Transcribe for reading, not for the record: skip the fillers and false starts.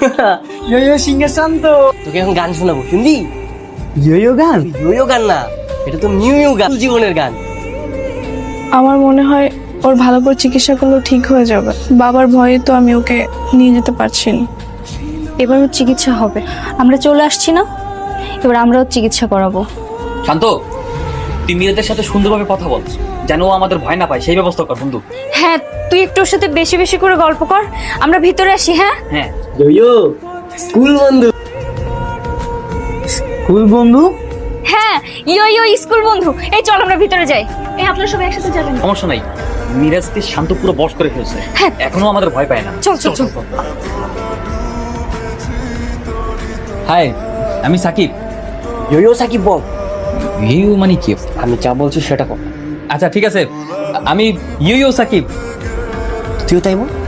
ইয়ো singer শান্ত। তোকে এখন গান শোনাবো, শুনবি? ইয়ো গান? ইয়ো গান না, এটা তো নিউ গান, জীবনের গান। আমার মনে হয় ওর ভালো করে চিকিৎসা করলেও ঠিক হয়ে যাবে। বাবার ভয়ে তো আমি ওকে নিয়ে যেতে পারছি না। এবার ওর চিকিৎসা হবে, আমরা চলে আসছি না, এবার আমরাও চিকিৎসা করাবো। শান্ত, তুই মীরাদের সাথে সুন্দরভাবে কথা বল, যেন ও আমাদের ভয় না পায় সেই ব্যবস্থা কর বন্ধু। হ্যাঁ, তুই একটু ওর সাথে বেশি বেশি করে গল্প কর, আমরা ভিতরে আসি। হ্যাঁ হ্যাঁ, ইয়ো স্কুল বন্ধু। স্কুল বন্ধু? হ্যাঁ, ইয়ো ইয়ো স্কুল বন্ধু। এই চল আমরা ভিতরে যাই। এই আপনারা সবাই একসাথে যাবেন। সমস্যা নাই, মিরাজকে শান্ত পুরো বশ করে ফেলছে, হ্যাঁ। এখনো আমাদের ভয় পায় না। চল চল চল। হাই, আমি সাকিব। ইয়ো সাকিব বল। ইউ মানে কি? আমি যা বলছি সেটা কর। আচ্ছা ঠিক আছে, আমি ইউ সাকিব। তুইও তাই বল।